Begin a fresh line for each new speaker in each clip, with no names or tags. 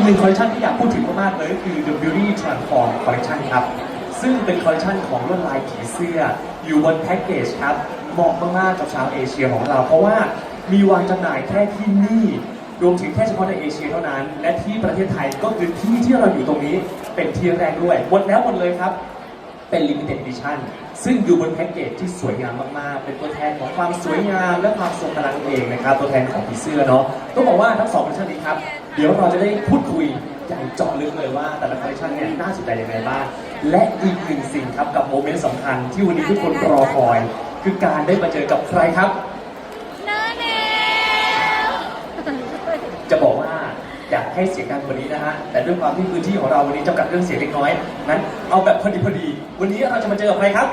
หนึ่งคอลเลคชันที่อยากพูดถึงมากๆเลยก็คือ The Beauty Transform Collection ครับซึ่งเป็นคอลเลคชันของลวดลายผีเสื้ออยู่บนแพ็กเกจครับเหมาะมากๆกับชาวเอเชียของเราเพราะว่ามีวางจำหน่ายแค่ที่นี่รวมถึงแค่เฉพาะในเอเชียเท่านั้นและที่ประเทศไทยก็คือที่เราอยู่ตรงนี้เป็นที่แรกด้วยหมดแล้วหมดเลยครับเป็น Limited Edition ซึ่งอยู่บนแพ็กเกจที่สวยงามมากๆเป็นตัวแทนของความสวยงามและความทรงพลังเองนะครับตัวแทนของผีเสื้อเนาะต้องบอกว่าทั้งสองคอลเลคชันนี้ครับเดี๋ยวเราจะได้พูดคุยอย่างเจาะลึกเลยว่าแต่ละคอลเลคชันเนี่ยน่าสนใจยังไงบ้างและอีกหนึ่งสิ่งครับกับโมเมนต์สำคัญที่วันนี้ทุกคนรอคอยคือการได้มาเจอกับใครครับ
น้าแนว
จะบอกว่าอยากให้เสียงดังกว่านี้นะฮะแต่ด้วยความที่พื้นที่ของเราวันนี้จำกัดเรื่องเสียงเล็กน้อยนั้นเอาแบบพอดีวันนี้เราจะมาเจอกับใครครับ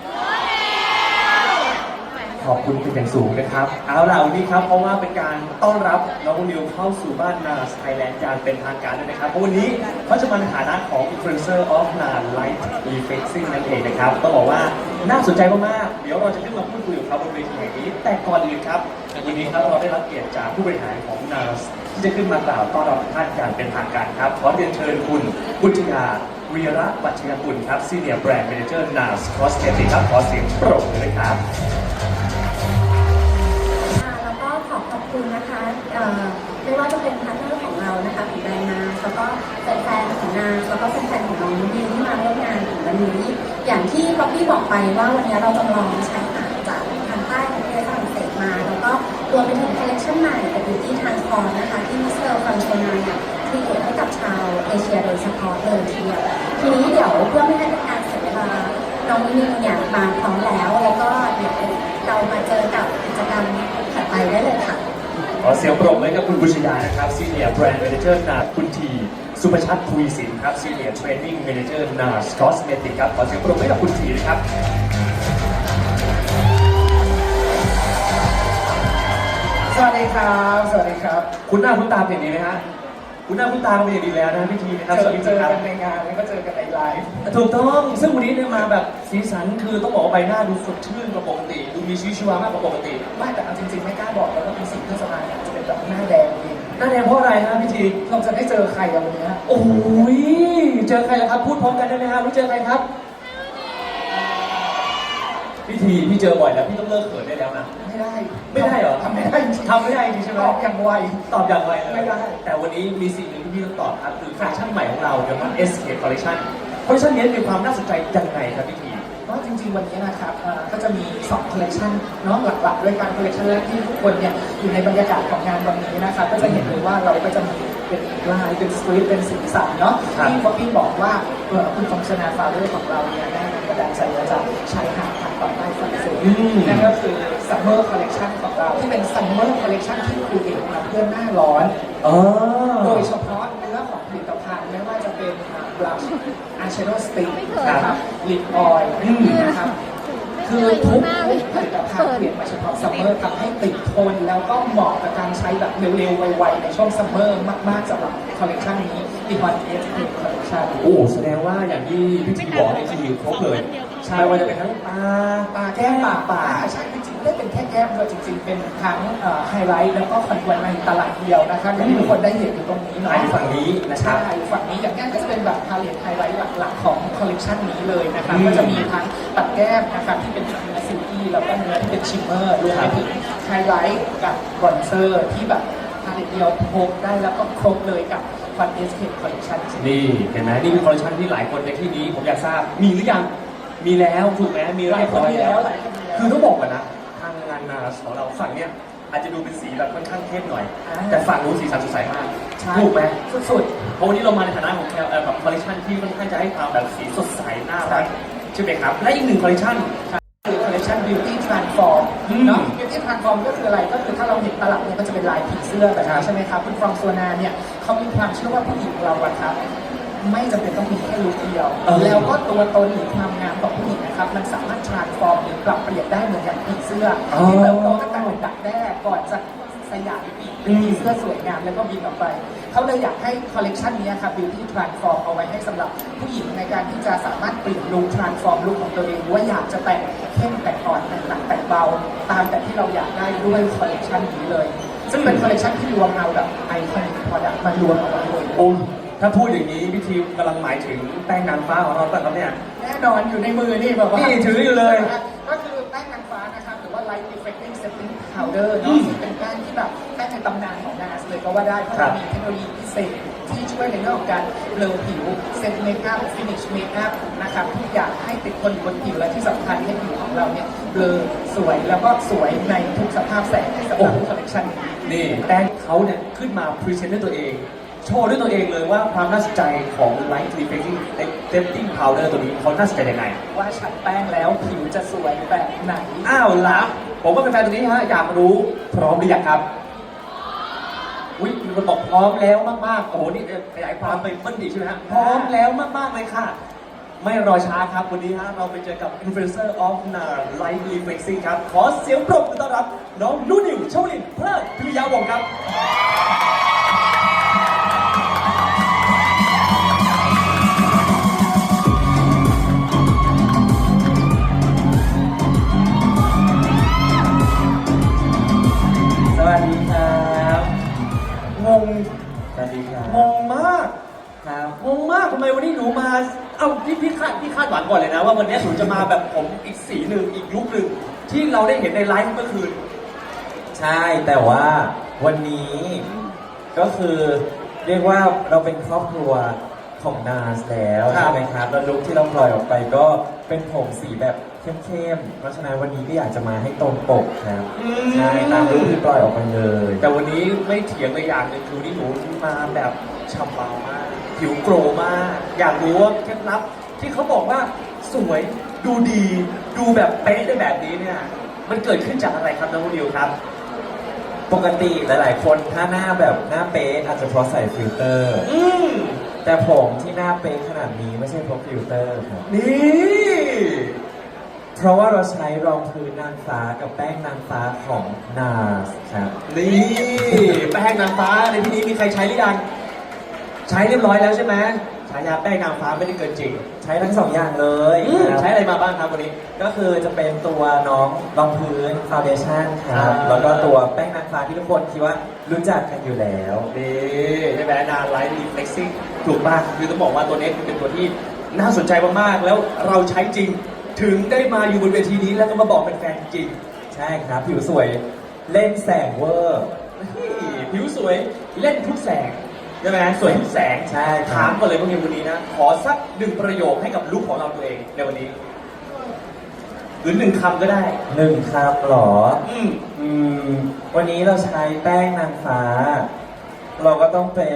ขอบคุณเป็นอย่างสูงนะครับเอาล่ะวันนี้ครับเพราะว่าเป็นการต้อนรับน้องนิวเข้าสู่บ้านนาสไทยแลนด์อย่างเป็นทางการด้วยนะครับเพราะวันนี้เขาจะมาในฐานะของ Influencer of NAS Light Reflexing นั่นเองนะครับต้องบอกว่าน่าสนใจมากๆเดี๋ยวเราจะขึ้นมาพูดคุยกับเขาบนเวทีแห่งนี้แต่ก่อนอื่นครับวันนี้ครับเราได้รับเกียรติจากผู้บริหารของ NAS ที่จะขึ้นมากล่าวต้อนรับท่านอย่างเป็นทางการครับขอเรียนเชิญคุณบุญญาวีระปัชญกุลครับ Senior Brand Manager NAS Cosmetics ครับขอเสียงปรบมือเลยครับ
แล้วก็ขอบคุณนะคะไม่ว่าจะเป็นพาร์ทเนอร์ของเรานะคะของแบรนด์นาแล้วก็แฟนๆของนาแล้วก็แฟนๆของน้องดิวที่มาร่วมงานถึงวันนี้อย่างที่ป๊อปปี้บอกไปว่าวันนี้เราจำลองใช้หาดจากทางใต้ของประเทศฝรั่งเศสมาแล้วก็รวมไปถึงคอลเลคชันใหม่กับ Beauty Transform นะคะที่มิสเตอร์ฟรังโชนาเนี่ยที่เกิดให้กับชาวเอเชียโดยเฉพาะเลยทีเดียวทีนี้เดี๋ยวเพื่อไม่ให้เป็นการเสียเวลาน้องนิวเนี่ยมาพร้อมแล้วก็เดี๋ยวเรามาเจอกับกิจกรรมถัดไปได้เลยค่ะ
ขอเสียงปรบมือให้กับคุณบุชยานะครับ Senior Brand Manager NAS คุณทีสุภชัดทวีสินครับ Senior Training Manager NAS Cosmetics ครับขอเสียงปรบมือให้กับคุณทีนะครับ
สวัสดีครับสวัสดีครับ
คุณหน้าคุณตาเป็นอย่างนี้ไหมฮะคุณหน้าคุณตาเป็นอย่างดีแล้วนะพี่ทีนะครับสวัสดี
เจอ
ครับ
กันในงานแล้วก็เจอกันในไลฟ์
ถูกต้องซึ่งวันนี้เนี่ยมาแบบสีสันคือต้องบอกว่าใบหน้าดูสดชื่นกว่าปกติดูมีชีวิตชีวามากกว่าปกติ
ไม่แต่เอาจริงๆไม่กล้าบอกแล้วก็มีสิ่งที่สบายจะเป็นแบบหน้าแดงเอง
หน้าแดงเพราะอะไรฮะพี่ที
เราจะได้เจอใครกันวันนี้
โอ้ยเจอใครล่ะครับพูดพร้อมกันได้ไหมฮะรู้เจอใครครับพี่ทีพี่เจอบ่อยแล้วพี่ต้องเลิกเขินได้แล้วนะ
ไม่ได้
เหรอ
ทำไม่ได้จริง
ทำไม่ได้จริงใช่ไหม
ตอบอย่างไว
ตอบอย่างไว
ไม่ได้
แต่วันนี้มีสิ่งหนึ่งที่พี่ต้องตอบครับคือคอลเลคชันใหม่ของเราเดี๋ยวมัน Escape Collection คอลเลคชันนี้มีความน่าสนใจยังไงครับพี่ที
ก็จริงๆวันนี้นะครับก็จะมี2คอลเลคชันเนาะหลักๆด้วยกันคอลเลคชันแรกที่ทุกคนเนี่ยอยู่ในบรรยากาศของงานวันนี้นะครับก็จะเห็นเลยว่าเราก็จะมีเป็นลายเป็นสตรีทเป็นสีสันเนาะที่ป๊อปปี้บอกว่าคุณฟองชนาฟาเรอร์ของเราเนี่ยได้กระดานใจมาจากชายหาดทางตอนใต้ฝรั่งเศสนั่นก็คือ Summer Collection ของเราที่เป็น Summer Collection ที่ครีเอทมาเพื่อหน้าร้อนโดยเฉพาะเนื้อของผลิตภัณฑ์ไม่ว่าจะเป็นบลัชอายแชโดว์สติ๊กนะครับลิปออยล์นะครับคือทุกผลิตภัณฑ์เปลี่ยนมาเฉพาะซัมเมอร์ทำให้ติดทนแล้วก็เหมาะกับการใช้แบบเร็วๆไวๆในช่วงซัมเมอร์มากๆสำหรับคอลเลคชันนี้อีกวันเอสเอคอลเลคชัน
โอ้แสดงว่าอย่างที่พี่ทีบอกนี่คือครบเลยใช่ว่าจะเป็นทั้ง
ตาแก้มป่าใช่จริงๆไม่เป็นแค่แก้มเลยจริงๆเป็นทั้งไฮไลท์แล้วก็คอนเวิร์ตในตลาดเดียวนะครับอย่างที่ทุกคนได้เห็นอยู่ตรงนี้เนาะ
ฝั่งนี้นะครับ
ใช่ฝั่งนี้อย่างนี้ก็จะเป็นแบบพาเลตไฮไลท์หลักๆของคอลเลคชันนี้เลยนะครับก็จะมีทั้งตัดแก้มนะครับที่เป็นเนื้อซิลกี้แล้วก็เนื้อที่เป็นชิมเมอร์รวมไปถึงไฮไลท์กับบรอนเซอร์ที่แบบพาเลตเดียวพกได้แล้วก็ครบเลยกับวันเอสเคคอลเลคชัน
นี่เห็นไหมนี่คือคอลเลคชันที่หลายคนในที่นี้ผมอยากทราบมีหรือยังมีแล้วถูกไหมมีเรียบร้อยแล้วคือต้องบอกก่อนนะทางงานนาสของเราฝั่งเนี้ยอาจจะดูเป็นสีแบบค่อนข้างเข้มหน่อยแต่ฝั่งนู้นสีสันสดใสมากถูกไหมสุดๆเพราะวันนี้เรามาในฐานะของแบบคอลเลคชันที่ค่อนข้างจะให้ความแบบสีสดใสน่ารักใช่ไหมครับและอีกหนึ่งคอลเลคชัน
คือคอลเลคชัน Beauty Transform เนาะ Beauty Transform ก็คืออะไรก็คือถ้าเราเห็นตลับเนี่ยก็จะเป็นลายผีเสื้อแบบนี้ใช่ไหมครับคุณฟรองโซนาเนี่ยเขามีความเชื่อว่าผู้หญิงเราอะครับไม่จำเป็นต้องมีแค่ลุคเดียวแล้วก็ตัวตนหรือความงามของผู้หญิงนะครับมันสามารถ transform หรือปรับเปลี่ยนได้เหมือนอย่างผีเสื้อที่เติบโตตั้งแต่ดักแด้ก่อนจะสยายปีกเป็นผีเสื้อสวยงามแล้วก็บินออกไปเขาเลยอยากให้คอลเลกชันนี้ครับ Beauty Transform เอาไว้ให้สำหรับผู้หญิงในการที่จะสามารถเปลี่ยนลุค transform ลุคของตัวเองว่าอยากจะแต่งเข้มแต่งอ่อนแต่งหนักแต่งเบาตามแต่ที่เราอยากได้ด้วยคอลเลกชันนี้เลยซึ่งเป็นคอลเลกชันที่รวมเอาแบบไอคอนิก product มารวมเอาไว้เลย
โอ้ถ้าพูดอย่างนี้พี่ทีมกำลังหมายถึงแป้งนางฟ้าของเราป่ะครับเนี่ย
แน่นอนอยู่ในมือนี่แบบว่า
นี่ถืออยู่เลย
ก็คือแป้งนางฟ้านะครับหรือว่า Light Reflecting Setting Powder เนาะซึ่งเป็นแป้งที่แบบแป้งในตำนานของ NARS เลยก็ว่าได้เพราะมันมีเทคโนโลยีพิเศษที่ช่วยในเรื่องของการเบลอผิวเซตเมคอัพฟินิชเมคอัพนะครับทุกอย่างให้ติดคนอยู่บนผิวและที่สำคัญให้ผิวของเราเนี่ยเบลอสวยแล้วก็สวยในทุกสภาพแสงสำหรับคอลเลคชันนี้
นี่แป้งเขาเนี่ยขึ้นมาพรีเซนต์ด้วยตัวเอง โชว์ด้วยตัวเองเลยว่าความน่าสนใจของ Light Reflecting Setting Powder ตัวนี้เขาน่าสนใจยังไง
ว่าฉันแป้งแล้วผิวจะสวยแบบไหน
อ้าวล่ะผมก็เป็นแฟนตัวนี้ฮะอยากรู้พร้อมหรือยังครับอุ้ยมีคนบอกพร้อมแล้วมากๆโอ้โหนี่ขยายความไปเพิ่มอีกใช่ไหมฮะพร้อมแล้วมากๆเลยค่ะ ไม่รอช้าครับวันนี้ฮะเราไปเจอกับ Influencer of NARS Light Reflecting ครับขอเสียงปรบมือต้อนรับน้องนุ่นนิวชวลินเพลิดพิริยาวงศ์ครับ
สวัสดีครับ
งง
สวัสดีครับ
งงมาก
ครับ
งงมากทำไมวันนี้หนูมา เอาพี่คาดหวังก่อนเลยนะว่าวันนี้หนูจะมาแบบผมอีกสีหนึ่งอีกลุคหนึ่งที่เราได้เห็นในไลฟ์เมื่อคืน
ใช่แต่ว่าวันนี้ก็คือเรียกว่าเราเป็นครอบครัวของนาสแล้ว
ครับ
ใช่ไหมครับแล้วลุคที่เราปล่อยออกไปก็เป็นผมสีแบบเข้มๆเพราะฉะนั้นวันนี้ก็อยากจะมาให้ตรงปกครับใช่ตามลุคที่ปล่อยออกไปเลย
แต่วันนี้ไม่เถียงเลยอย่างหนึ่งคือวันนี้หนูมาแบบฉ่ำวาวมาก ผิวโกรมาก อยากรู้ว่าเคล็ดลับที่เขาบอกว่าสวยดูดีดูแบบเป๊ะได้แบบนี้เนี่ยมันเกิดขึ้นจากอะไรครับน้องนิวครับ
ปกติหลายๆ คนถ้าหน้าแบบหน้าเป๊ะอาจจะเพราะใส่ฟิลเตอร์
อืม
แต่ผมที่หน้าเป๊ะขนาดนี้ไม่ใช่เพราะฟิลเตอร์ครับ
นี่
เพราะว่าเราใช้รองพื้นนางฟ้ากับแป้งนางฟ้าของ NARS ครับ
นี่แป้งนางฟ้าในที่นี้มีใครใช้หรือยังใช้เรียบร้อยแล้วใช่ไหมฉายาแป้งนางฟ้าไม่ได้เกินจริง
ใช้ทั้งสองอย่างเลย
ครับ ใช้อะไรมาบ้างครับวันนี้
ก็คือจะเป็นตัวน้องรองพื้นฟาวเดชั่นครับ
อ่า
แล้วก็ตัวแป้งนางฟ้าที่ทุกคนคิดว่ารู้จักกันอยู่แล้ว
นี่ใช่ไหมนาไลท์รีเฟล็กซิ่งถูกมากคือต้องบอกว่าตัวนี้เป็นตัวที่น่าสนใจมากๆแล้วเราใช้จริง ถึงได้มาอยู่บนเวทีนี้แล้วก็มาบอกเป็นแฟนจริง
ใช่ครับ ผิวสวยเล่นแสงเวอร์
นี่ผิวสวยเล่นทุกแสงใช่ไหมสวยทุกแสง
ใช่ครับ
ถามก่อนเลยว่าในวันนี้นะ ขอสักหนึ่งประโยคให้กับลุคของเราตัวเองในวันนี้หรือหนึ่งคำก็ได้
หนึ่งครับหรอ
อืม
อืม วันนี้เราใช้แป้งนางฟ้า เราก็ต้องเป็น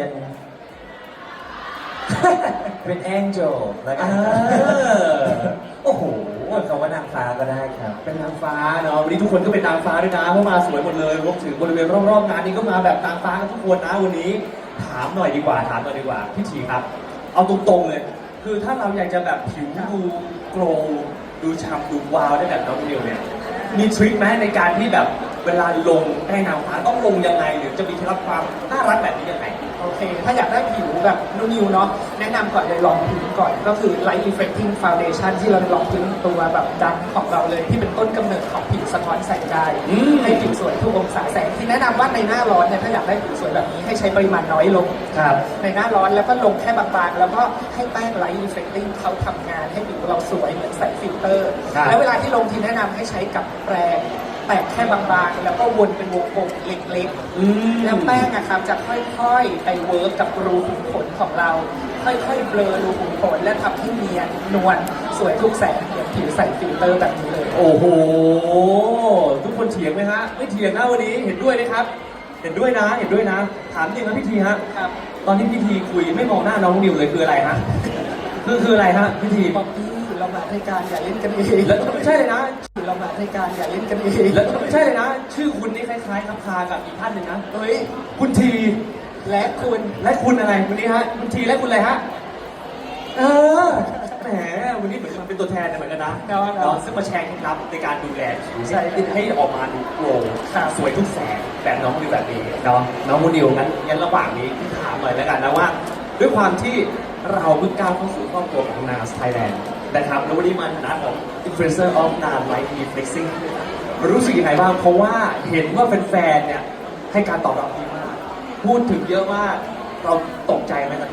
เป็นแองเจลแล้วกัน
โอ้โห
คำว่านางฟ้าก็ได้ครับ
เป็นนางฟ้าเนาะวันนี้ทุกคนก็เป็นนางฟ้าด้วยนะเพราะมาสวยหมดเลยรวมถึงบริเวณรอบๆงานนี้ก็มาแบบนางฟ้ากันทุกคนนะวันนี้ถามหน่อยดีกว่าพี่ชีครับ เอาตรงๆเลย คือถ้าเราอยากจะแบบผิวดูโกลว์ดูฉ่ำดูวาวได้แบบน้องนิวเนี่ยมีทริคไหมในการที่แบบเวลาลงแป้งนางฟ้าต้องลงยังไงหรือจะมีเคล็ดลับความน่ารักแบบนี้ยังไง
โอเค ถ้าอยากได้ผิวแบบนุ่นิวเนาะ แนะนำก่อนเลยลองพื้นก่อน ก็คือ Light Reflecting Foundation ที่เราลองพื้นตัวแบบดังของเราเลย ที่เป็นต้นกำเนิดของผิวสะท้อนแสงได้
อืม
ให้ผิวสวยทุกองศาแสง ที่แนะนำว่าในหน้าร้อนเนี่ย ถ้าอยากได้ผิวสวยแบบนี้ให้ใช้ปริมาณน้อยลง
ครับ
ในหน้าร้อนแล้วก็ลงแค่บางๆ แล้วก็ให้แป้ง Light Reflecting เขาทำงานให้ผิวเราสวยเหมือนใส่ฟิลเตอร์
ครับ
แล้วเวลาที่ลงทีแนะนำให้ใช้กับแปรงแตะแค่บางๆ แล้วก็วนเป็นวงกลมเล็กๆ
อืม
แล้วแป้งอะครับจะค่อยๆ ไปเวิร์กกับรูขุมขนของเรา ค่อยๆ เบลอรูขุมขนและทำให้เนียนนวลสวยทุกแสงเหมือนผิวใส่ฟิลเตอร์แบบนี้เลย
โอ้โห ทุกคนเถียงไหมฮะ ไม่เถียงนะวันนี้เห็นด้วยนะครับ เห็นด้วยนะ ถามจริงนะพี่ทีฮะ
ครับ
ตอนที่พี่ทีคุยไม่มองหน้าน้องนิวเลยคืออะไรฮะ คืออะไรฮะพี่ที
บอกพี่เรามารายการอย่าเล่นกันเอง
แล้วไม่ใช่เลยนะ
เรามารายการอย่าเล่นกันเอง
แล้วไม่ใช่เลยนะ ชื่อคุณนี่คล้ายๆครับคากับอีกท่านหนึ่งนะ
เฮ้ย
คุณที
และคุณ
และคุณอะไรวันนี้ฮะ คุณทีและคุณอะไรฮะ เออ แหม วันนี้เหมือนมันเป็นตัวแทนเหมือนกันนะ
เนาะ
เนาะซึ่งมาแชร์เคล็ดลับในการดูแลผิว
ใช่
ให้ออกมาดูโกลว์
ครับ
สวยทุกแสงแบบน้องนิวแบบนี้เนาะน้องมูนิวงั้นระหว่างนี้พี่ถามหน่อยแล้วกันนะว่า ด้วยความที่เราเพิ่งก้าวเข้าสู่ครอบครัวของ NARS Thailand นะครับแล้ววันนี้มาในฐานะของ Influencer of NARS Light Reflexing รู้สึกยังไงบ้างเพราะว่าเห็นว่าแฟนๆเนี่ยให้การตอบรับดีมาก พูดถึงเยอะมากเราตกใจไหม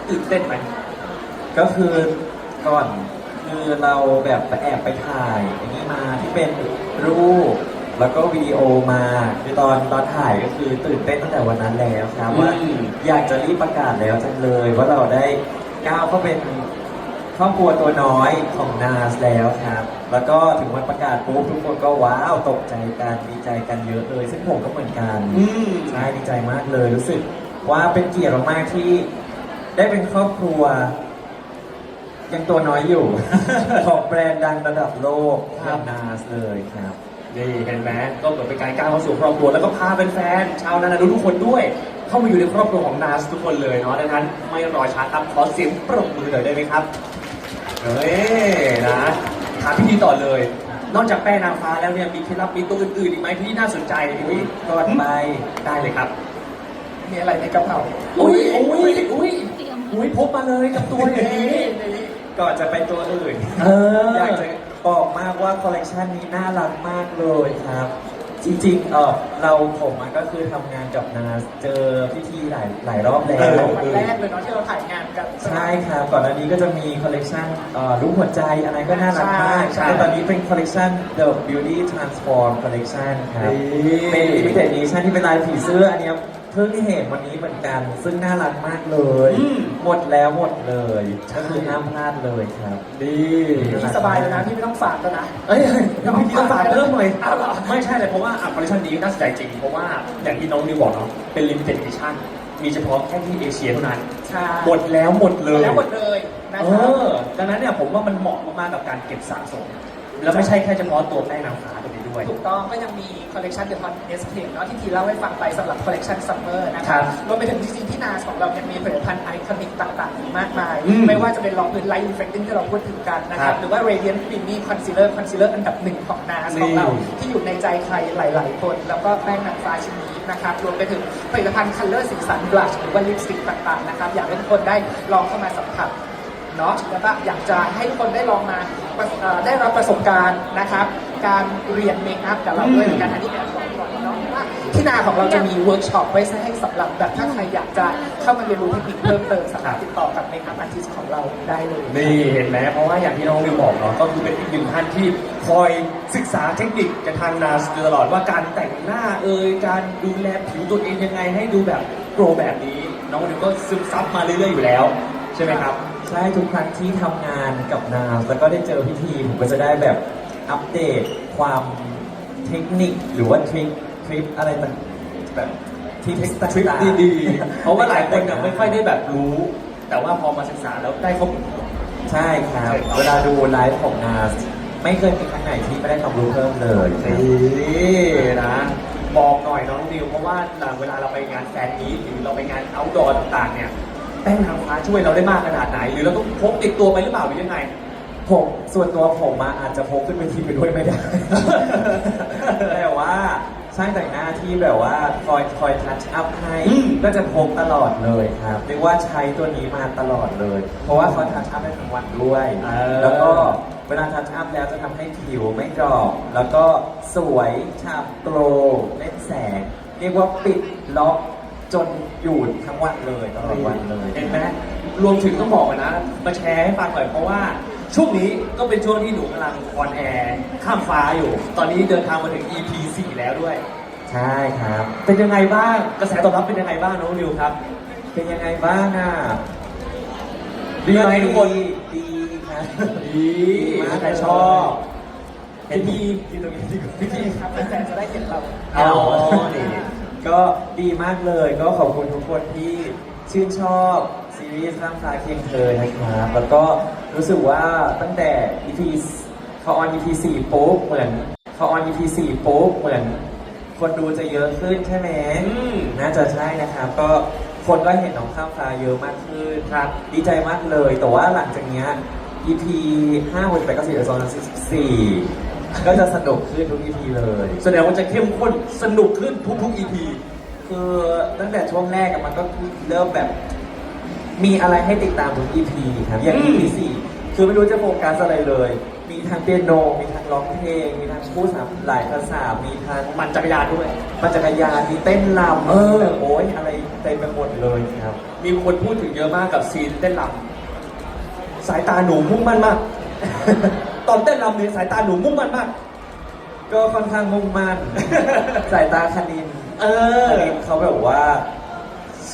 ตื่นเต้นไหม
ก็คือก่อนคือเราแบบไปแอบไปถ่ายอย่างนี้มาที่เป็นรูปแล้วก็วิดีโอมาคือตอนถ่ายก็คือตื่นเต้นตั้งแต่วันนั้นแล้วครับว่าอยากจะรีบประกาศแล้วจังเลยว่าเราได้ก้าวเข้าเป็นครอบครัวตัวน้อยของนาสแล้วครับ แล้วก็ถึงวันประกาศปุ๊บทุกคนก็ว้าวตกใจกันดีใจกันเยอะเลยซึ่งผมก็เหมือนกันใช่ดีใจมากเลยรู้สึกว่าเป็นเกียรติมากๆที่ได้เป็นครอบครัว ยังตัวน้อยอยู่ ของแบรนด์ดังระดับโลกอย่างนาสเลยครับ
นี่เห็นไหมก็เหมือนเป็นการก้าวเข้าสู่ครอบครัวแล้วก็พาแฟนๆชาวนานาดูทุกคนด้วย เข้ามาอยู่ในครอบครัวของนาสทุกคนเลยเนาะดังนั้นไม่รอช้าครับขอเสียงปรบมือหน่อยได้ไหมครับเฮ้ยนะถามพี่ทีต่อเลย นอกจากแป้งนางฟ้าแล้วเนี่ยมีเคล็ดลับมีตัวอื่นๆอีกไหมที่น่าสนใจพี่ที
ก่อนไป
ได้เลยครับ
มีอะไรในกระเป๋า
อุ้ยพกมาเลยกับตัวอย่างนี้
ก่อนจะไปตัวอื่น อยากจะบอกมากว่าคอลเลกชันนี้น่ารักมากเลยครับ จริงๆผมก็คือทำงานกับนาสเจอพิธีหลายรอบแล้ว
วันแรกเลยเนาะที่เราถ่ายงานกัน
ใช่ครับก่อนหน้านี้ก็จะมีคอลเลกชันรูปหัวใจอะไรก็น่ารักมาก
ใช่
แล้วตอนนี้เป็นคอลเลกชัน The Beauty Transform Collection ครับ เป็น limited edition ที่เป็นลายผีเสื้ออันเนี้ยเพิ่งเห็นวันนี้เหมือนกัน ซึ่งน่ารักมากเลย หมดแล้วหมดเลยก็คือห้ามพลาดเลยครับ
ดี
พี่สบายเลยนะพี่ไม่ต้องฝากแล้วนะ
เอ้ยพี่ทีต้องฝากเพิ่มหน่อย
อ้าวเหรอ
ไม่ใช่เลยเพราะว่าคอลเลคชันนี้น่าสนใจจริง เพราะว่าอย่างที่น้องนิวบอกเนาะเป็น limited edition มีเฉพาะแค่ที่เอเชียเท่านั้น
ใช่
หมดแล้วหมดเลย
แล้วหมดเลยนะ
เอ
ครับ
อดังนั้นเนี่ยผมว่ามันเหมาะมากๆกับการเก็บสะสม แล้วไม่ใช่แค่เฉพาะตัวแป้งนางฟ้าตัวนี้ด้วย
ถูกต้องก็ยังมีคอลเลกชัน The Hot Escape เนาะที่ทีเล่าให้ฟังไปสำหรับคอลเลกชันซัมเมอร์นะค
ครั
รับบ รวมไปถึงจริงๆที่นาสของเราเนี่ยมีผลิตภัณฑ์ไอคอนิกต่างๆอีกมากมาย
อืม
ไม่ว่าจะเป็นรองพื้นไลท์อินเฟคติ้งที่เราพูดถึงกันนะค
ครั
รับบ หรือว่า Radiant Creamy Concealer อันดับหนึ่งของนาสของเรา
นี่
ที่อยู่ในใจใครหลายๆคน แล้วก็แป้งนางฟ้าชิ้นนี้นะครับรวมไปถึงผลิตภัณฑ์คัลเลอร์สีสันบลัชหรือว่าลิปสติกต่างๆนะครับอยากให้ทุกคนได้ลองเข้ามาสัมผัส เนาะแล้วก็อยากจะให้ทุกคนได้ลองมาได้รับประสบการณ์นะครับ การเรียนเมคอัพกับเราด้วยเหมือนกันอันนี้แบบบอกก่อนเนาะว่าที่นาของเราจะมีเวิร์กช็อปไว้ให้สำหรับแบบถ้าใครอยากจะเข้ามาเรียนรู้เทคนิคเพิ่มเติมสามารถติดต่อกับเมคอัพอาร์ติสต์ของเราได้เลย
นี่เห็นไหมเพราะว่าอย่างที่น้องนิวบอกเนาะก็คือเป็นอีกหนึ่งท่านที่คอยศึกษาเทคนิคกับทางนาสอยู่ตลอดว่าการแต่งหน้าการดูแลผิวตัวเองยังไงให้ดูแบบโปรแบบนี้ น้องนิวก็ซึมซับมาเรื่อยๆอยู่แล้วใช่ไหมครับ
ใช่ทุกครั้งที่ทำงานกับนาสแล้วก็ได้เจอพิธีผมก็จะได้แบบอัปเดตความเทคนิคหรือว่าทริคอะไรต่างแบบทริค
ทริค
ต่างๆ
ดีๆ เพราะว่าหลายคนเนี่ยไม่ค่อยได้แบบรู้ แต่ว่าพอมาศึกษาแล้วได้ข้อมูล
ใช่ครับ เวลาดูไลฟ์ของนาสไม่เคยมีครั้งไหนที่ไม่ได้ความรู้เพิ่มเลยครับ
นี่นะบอกหน่อยน้องนิวเพราะว่าเวลาเราไปงานแฟนมีตหรือเราไปงานเอาท์ดอร์ต่างๆเนี่ยแป้งนางฟ้าช่วยเราได้มากขนาดไหน หรือเราต้องพกติดตัวไปหรือเปล่าหรือยังไง
ผมส่วนตัวผมอาจจะพกขึ้นเวทีไปด้วยไม่ได้ แต่ว่าช่างแต่งหน้าที่แบบว่าคอยทัชอัพให้
อืม
ก็จะพกตลอดเลยครับเรียกว่าใช้ตัวนี้มาตลอดเลย เพราะว่าเขาทัชอัพได้ทั้งวันด้วย แล้วก็เวลาทัชอัพแล้วจะทำให้ผิวไม่ดรอปแล้วก็สวยฉ่ำโกลว์เล่นแสง เรียกว่าปิดล็อกจนอยู่ทั้งวันเลยตลอดวันเลย
เห็นไหมรวมถึงต้องบอกกันนะมาแชร์ให้ฟังหน่อยเพราะว่าช่วงนี้ก็เป็นช่วงที่หนูกำลังออนแอร์ข้ามฟ้าอยู่ ตอนนี้เดินทางมาถึง EP 4 แล้วด้วย
ใช่ครับ
เป็นยังไงบ้างกระแสตอบรับเป็นยังไงบ้างน้องนิวครับ
เป็นยังไงบ้างอ่ะ
ดีไหมทุกคน
ดีครับ
ดี
มาก
ใครชอบเห็นดี
ที่ตรงนี้ดีกว่า
พี่ทีครับแฟนๆจะได้เห็นเรา
อ๋อนี่
ก็ดีมากเลย ก็ขอบคุณทุกคนที่ชื่นชอบซีรีส์ข้ามฟ้าเคียงเธอนะครับ แล้วก็รู้สึกว่าตั้งแต่ EP เขาออน EP 4ปุ๊บเหมือนเขาออน EP 4ปุ๊บเหมือนคนดูจะเยอะขึ้นใช่ไหม น่าจะใช่นะครับ ก็คนก็เห็นน้องข้ามฟ้าเยอะมากขึ้นครับ ดีใจมากเลย แต่ว่าหลังจากเนี้ย EP 5 6 8 9 10 12 14ก็จะสนุกขึ้นทุก EP เลย
แสดงว่าจะเข้มข้นสนุกขึ้นทุกๆ EP
คือตั้งแต่ช่วงแรกอะมันก็เริ่มแบบ มีอะไรให้ติดตามทุก EP ครับ อย่าง
อืม
EP 4คือไม่รู้จะโฟกัสอะไรเลยมีทั้งเปียโน มีทั้งร้องเพลง มีทั้งพูดหลายภาษา มีทั้ง
มันจักรยานด้วย
ปั่นจักรยาน มีเต้นรำโอ้ยอะไรเต็มไปหมดเลยครับ
มีคนพูดถึงเยอะมากกับซีนเต้นรำสายตาหนูมุ่งมั่นมาก ตอนเต้นรำเนี่ยสายตาหนูมุ่งมั่นมาก
ก็ค่อนข้างมุ่งมั่น สายตาคณิน
เออ
คณินเขาแบบว่าชี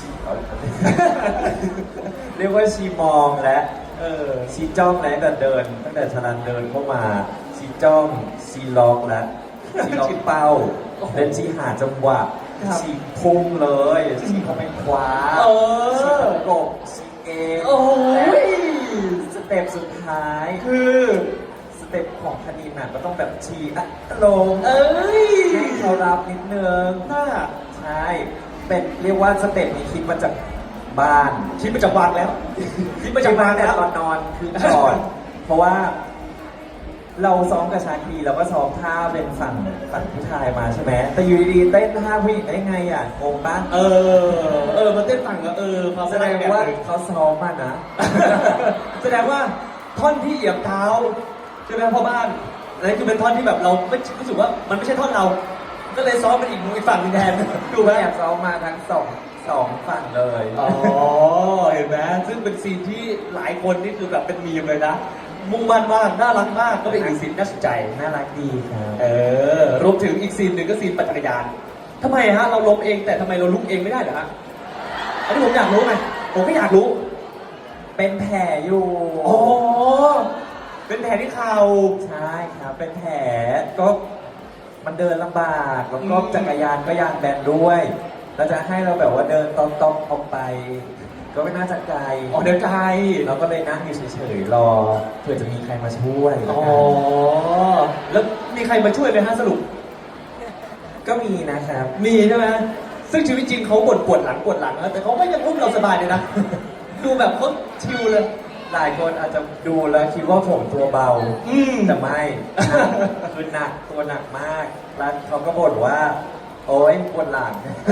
เรียกว่าชีมองและชีจ้องและแต่เดิน ตั้งแต่ชลันเดินเข้ามาชีจ้องชีล็อกและชีล็อกเป้าและชีหาจังหวะ
ครับ
ชีพุ่งเลยชีเข้าไปคว้า
เออ
ชีประกบชีเอง
โอ้ย
สเต็ปสุดท้าย
คือ
สเต็ปของคณินน่ะก็ต้องแบบชีลง
เอ้ย
ให้เขารับนิดนึง
น่า
ใช่ เป็นเรียกว่าสเต็ปนี้คิดมาจากบ้าน
คิดมาจากวางแล้ว คิดมาจากวาง
แต่
แล้ว
ตอนนอนคือก่อน เพราะว่าเราซ้อมกับชาครีเราก็ซ้อมท่าเป็นฝั่งผู้ชายมาใช่ไหม แต่อยู่ดีๆเต้นท่าผู้หญิงได้ไงอ่ะงงปะ
มาเต้นฝั่งแล้วความ
แสดงว่าเขาซ้อมมานะ
แสดงว่าท่อนที่เหยียบเท้าใช่ไหมพ่อบ้านอันนั้นคือเป็นท่อนที่แบบเราไม่รู้สึกว่ามันไม่ใช่ท่อนเรา ก็เลยซ้อมเป็นอีกฝั่งหนึงแทน ดูไหม
แอบซ้อมมาทั้งสองฝั่งเลย
อ๋อ เห็นไหมซึ่งเป็นซีนที่หลายคนนี่คือแบบเป็นมีมเลยนะ มุ่งมั่นมาก น่ารักมาก ก็เป็นอีกซีนน่าสนใจ
น่ารักดีครับ
รวมถึงอีกซีนหนึ่งก็ซีนปั่นจักรยานทำไมฮะ เราล้มเองแต่ทำไมเราลุกเองไม่ได้เหรอฮะ อันนี้ผมอยากรู้ไงผมก็อยากรู้
เป็นแผลอยู่
อ๋อ เป็นแผลที่เข่า
ใช่ครับ เป็นแผลก็มันเดินลำบากแล้วก็จักรยานก็ยางแบนด้วยแล้วจะให้เราแบบว่าเดินต้อมๆออกไป ก็ไม่น่าจะไกล
อ๋อเดินไกล
เราก็เลยนั่งอยู่เฉยๆรอเผื่อจะมีใครมาช่วย
อ๋อ แล้วมีใครมาช่วยไหมฮะสรุป
ก็มีนะครับ
มีใช่ไหมซึ่งชีวิตจริงเขาบ่นปวดหลังนะแต่เขาก็ยังอุ้มเราสบายเลยนะ ดูแบบเขาชิลเลย
หลายคนอาจจะดูแล้วคิดว่าผมตัวเบา แต่ไม่ คือหนักตัวหนักมากแล้วเขาก็บ่นว่า โอ๊ยปวดหลัง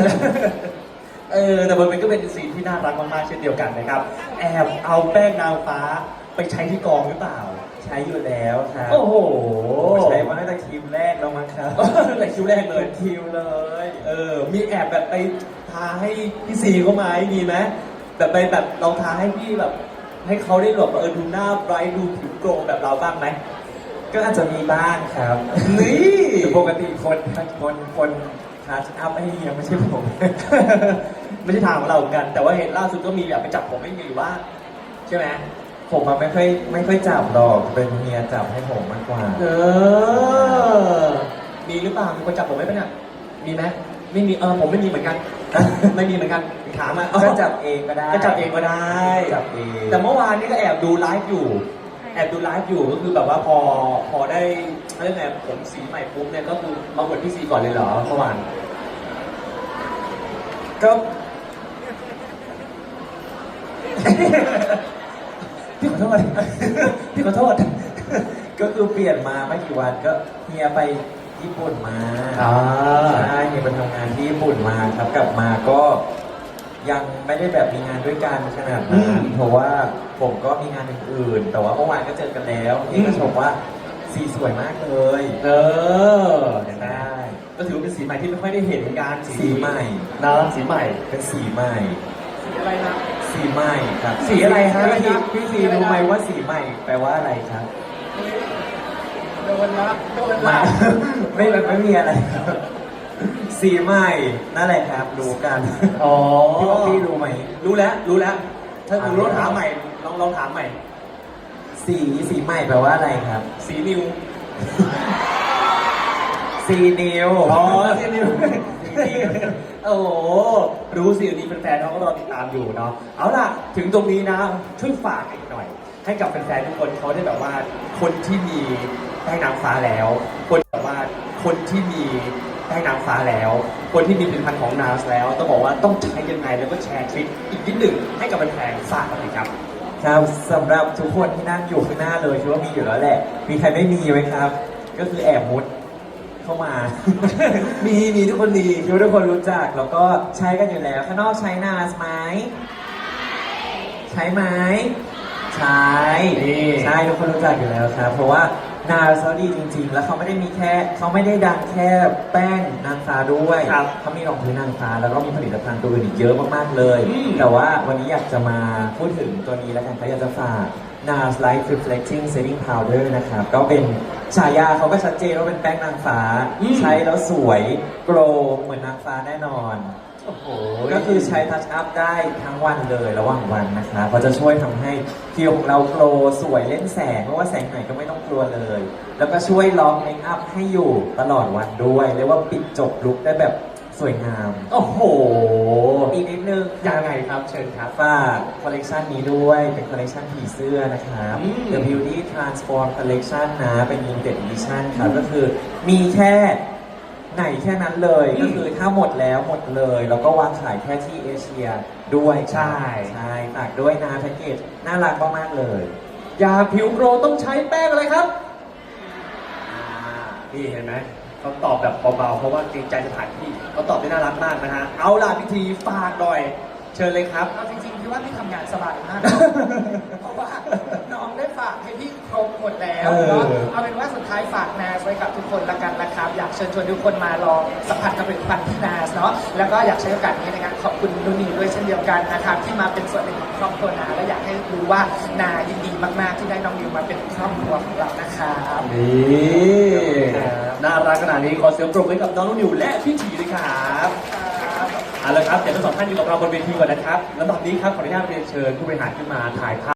แต่มันก็เป็นซีนที่น่ารักมากๆเช่นเดียวกันนะครับ แอบเอาแป้งนางฟ้าไปใช้ที่กองหรือเปล่า
ใช้อยู่แล้วครับ
โอ้โห
ใช้มาตั้งแต่คิวแรกแล้วมั้งครับ
แต่คิวแรกเลย
คิวเลย
มีแอบแบบไปทาให้พี่ซีเขาไหมมีไหมแบบไปแบบเราทาให้พี่แบบ ให้เขาได้แบบดูหน้าไบรท์ดูผิวโกลว์แบบเราบ้างไหม
ก็อาจจะมีบ้างครับ
นี่
แต่ปกติคนทัชอัพให้เฮียไม่ใช่ผม
ไม่ใช่ทางของเราเหมือนกัน แต่ว่าเห็นล่าสุดก็มีแบบไปจับผมไม่มีว่า ใช่ไหม
ผมมันไม่ค่อยจับหรอกเป็นเฮียจับให้ผมมากกว่า
มีหรือเปล่ามีคนจับผมไหมปะเนี่ยมีไหมไม่มีผมไม่มีเหมือนกัน ไม่มีเหมือนกันถามอ่ะ
ก็จับเองก็ได้
ก็จับเองก็ได้
จับเอง
แต่เมื่อวานนี้ก็แอบดูไลฟ์อยู่ ก็คือแบบว่าพอได้เรื่องไงผมสีใหม่ปุ๊บเนี่ยก็คือมาบวชพี่ซีก่อนเลยเหรอเมื่อวาน
ก็
พี่ขอโทษ พี่ขอโทษ
ก็คือเปลี่ยนมาไม่กี่วันก็เฮียไปญี่ปุ่นมาใช่เฮียไปทำงานที่ญี่ปุ่นมาครับกลับมาก็ยังไม่ได้แบบมีงานด้วยกันขนาดนั้นเพราะว่าผมก็มีงานอื่นๆแต่ว่าเมื่อวานก็เจอกันแล้วเฮียก็ชมว่าสีสวยมากเลย
เห็นไหม
ได้
ก็ถือว่าเป็นสีใหม่ที่ไม่ค่อยได้เห็นเหมือนกัน
สีใหม่
นะสีใหม่
เป็นสีใหม่
สีอะไรนะ
สีใหม่ครับ
สีอะไรฮะ
พี่ซีรู้ไหมว่าสีใหม่แปลว่าอะไรครับ
โดนละ
มา ไม่มีอะไรครับสีใหม่นั่นแหละครับรู้กัน
อ๋อ
พี่ว่าพี่รู้ไหม
รู้แล้ว ถ้าคุณรู้ถามใหม่ลองถามใหม่
สีใหม่แปลว่าอะไรครับ
สีนิว
สีนิว
สีนิว โอ้โหรู้สิวันนี้แฟนๆเขาก็รอติดตามอยู่เนาะเอาล่ะถึงตรงนี้นะช่วยฝากอีกหน่อย ให้กับแฟนๆทุกคนเขาได้แบบว่าคนที่มีได้นางฟ้าแล้ว คนแบบว่าคนที่มีได้นางฟ้าแล้ว คนที่มีผลิตภัณฑ์ของนาสแล้วต้องบอกว่าต้องใช้ยังไงแล้วก็แชร์ทริคอีกนิดหนึ่งให้กับแฟนๆฝากกันเลยครับ
ครับสำหรับทุกคนที่นั่งอยู่ข้างหน้าเลยคิดว่ามีอยู่แล้วแหละ มีใครไม่มีไหมครับ ก็คือแอบมุดเข้ามา
มีทุกคนมี
คิดว่าทุกคนรู้จักแล้วก็ใช้กันอยู่แล้วข้างนอกใช้นาสไหมใช้ไหมใช้
นี่
ใช่ทุกคนรู้จักอยู่แล้วครับ เพราะว่านาเขาดีจริง ๆ แล้วเขาไม่ได้ดังแค่แป้งนางฟ้าด้วย
ครับ
เขามีรองพื้นนางฟ้าแล้วก็มีผลิตภัณฑ์ตัวอื่นอีกเยอะมากๆเลย
อืม
แต่ว่าวันนี้อยากจะมาพูดถึงตัวนี้แล้วกันเขาอยากจะฝาก NARS Light Reflecting Setting Powder นะครับ ก็เป็นฉายาเขาก็ชัดเจนว่าเป็นแป้งนางฟ้า ใช้แล้วสวยโกลว์เหมือนนางฟ้าแน่นอน
โอ้โห
ก็คือใช้ทัชอัพได้ทั้งวันเลยระหว่างวันนะคะเพราะจะช่วยทำให้ผิวของเราโกลว์สวยเล่นแสงเพราะว่าแสงไหนก็ไม่ต้องกลัวเลย แล้วก็ช่วยล็อกเมคอัพให้อยู่ตลอดวันด้วยเรียกว่าปิดจบลุคได้แบบสวยงาม
โอ้โห
อีกนิดนึง
ยังไงครับเชิญครับ
ฝากคอลเลกชันนี้ด้วยเป็นคอลเลกชันผีเสื้อนะครับ
อืม
The Beauty Transform Collection นะเป็น limited edition ครับก็คือมีแค่ ไหนแค่นั้นเลย
อืม
ก็คือถ้าหมดแล้วหมดเลย แล้วก็วางขายแค่ที่เอเชียด้วย
ใช่
ใช่ฝากด้วยนะแพ็กเกจน่ารักมากๆเลย
อยากผิวโกรว์ต้องใช้แป้งอะไรครับนี่เห็นไหมเขาตอบแบบเบาๆเพราะว่าเกรงใจสถานที่เขาตอบได้น่ารักมากนะฮะเอาล่ะพิธีฝากหน่อย เชิญเลยครับ
เอาจริงๆพี่ว่าพี่ทำงานสบายมาก เพราะว่าน้องได้ฝากให้พี่ครบหมดแล้ว
เออ
เนาะเอาเป็นว่าสุดท้ายฝากนาสไว้กับทุกคนละกันนะครับ อยากเชิญชวนทุกคนมาลองสัมผัสกับผลิตภัณฑ์ที่นาสเนาะแล้วก็อยากใช้โอกาสนี้ในการขอบคุณนุ่นนีด้วยเช่นเดียวกันนะครับที่มาเป็นส่วนหนึ่งของครอบครัวนาและอยากให้รู้ว่านายินดีมากๆที่ได้น้องนิวมาเป็นครอบครัวของเรานะครับ
นี่น่ารักขนาดนี้ขอเสียงปรบมือให้กับน้องนิวและพี่ถีด้วยครับเอาละครับเดี๋ยวทั้งสองท่านอยู่กับเราบนเวทีก่อนนะครับแล้วตอนนี้ครับขออนุญาตเรียนเชิญผู้บริหารขึ้นมาถ่ายภาพ